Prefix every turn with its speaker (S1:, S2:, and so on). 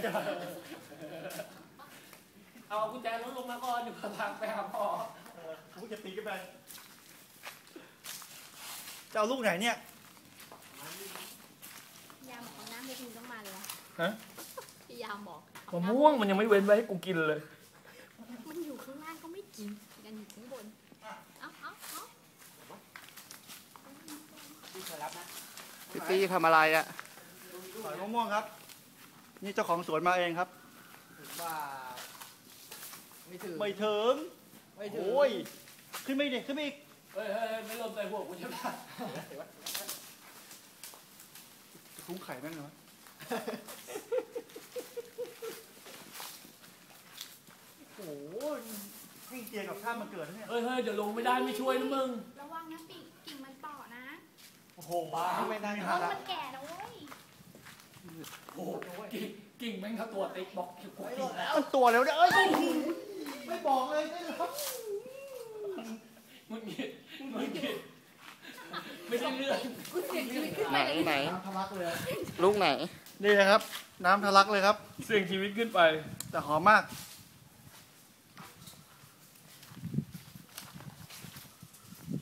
S1: เอากุญแจรถลงมาก่อนเดี๋ยวพาไปหาพ่อ
S2: กูจะตีกันไปจะเอาลูกไหนเนี่ย
S3: ยามบอกน้ำเล็กมึงต้องมาเลยวะ
S1: ฮะ
S3: พี่ยามบอก
S1: มะม่วงมันยังไม่เว้นไว้ให้กูกินเลย
S3: มันอยู่ข้างล่างก็ไม่กินกันอยู่ข้างบนเอา
S4: พี่ตี้ทำอะไรอ่ะ
S2: สอยมะม่วงครับนี่เจ้าของสวนมาเองครับ
S4: ว่าไม่ถึง
S2: โอ้ยขึ้นไม่ดิขึ้นไม่อีก
S1: เฮ้ยไม่ลมใส่หัวกูใช่ไหม
S2: คุ้งไข่แม่งเหรอโอ้ยให้เจียกับข้ามมาเกิดเนี่ย
S1: เฮ้ยเดี๋ยวลงไม่ได้ไม่ช่วยนะมึง
S3: ระวังนะกิ่งมันต่อนะ
S2: โอ้โหบ้าไม่ได้
S3: ต้นมันแก่นะเว้ย
S1: โอ้โหกิ่งแม่งถ้าตัวติ๊กบอกกูกิ่งแล้ว
S2: ตัวแล้วเนี่ยเอ้ยไม่บอกเลยได้หรอ
S1: มึงกินไม่ใช่เรื่อง
S4: ไหน
S2: ทะลักเลย
S4: ลูกไหน
S2: นี่นะครับน้ำทะลักเลยครับ
S1: เสี่ยงชีวิตขึ้นไป
S2: แต่หอมมาก